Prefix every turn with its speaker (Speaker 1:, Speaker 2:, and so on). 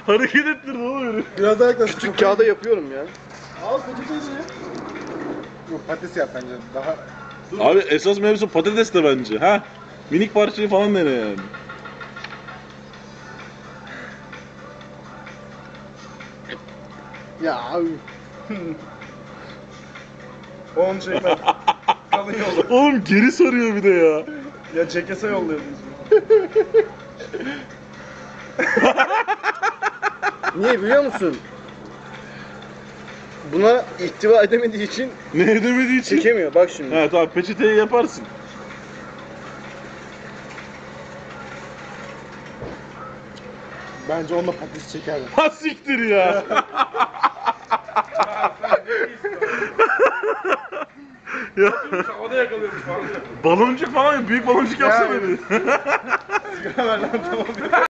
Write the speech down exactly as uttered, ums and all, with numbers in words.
Speaker 1: Hareket ettirdi oğlum herif.
Speaker 2: Biraz daha yaklaş.
Speaker 3: Küçük kağıda yapıyorum ya.
Speaker 2: Al patates ya. Yok patates yap bence. Daha...
Speaker 1: Abi esas mevzu patates de bence. Ha? Minik parçayı falan dene yani.
Speaker 2: Ya abi. Onu çekme. Kalın yolla.
Speaker 1: Oğlum geri sarıyor bir de ya.
Speaker 2: Ya çekese yollayalım.
Speaker 3: Niye biliyor musun? Buna ihtiva edemediği için
Speaker 1: Ne edemediği için.
Speaker 3: çekemiyor. Bak şimdi.
Speaker 1: Evet abi peçeteyi yaparsın.
Speaker 2: Bence onunla patates çekerdim.
Speaker 1: Ha siktir ya. Ya
Speaker 2: Havada yakalıyormuş falan.
Speaker 1: baloncuk falan büyük baloncuk yapsana
Speaker 2: Ya.
Speaker 1: bir.
Speaker 2: Sigara ver lan tamam.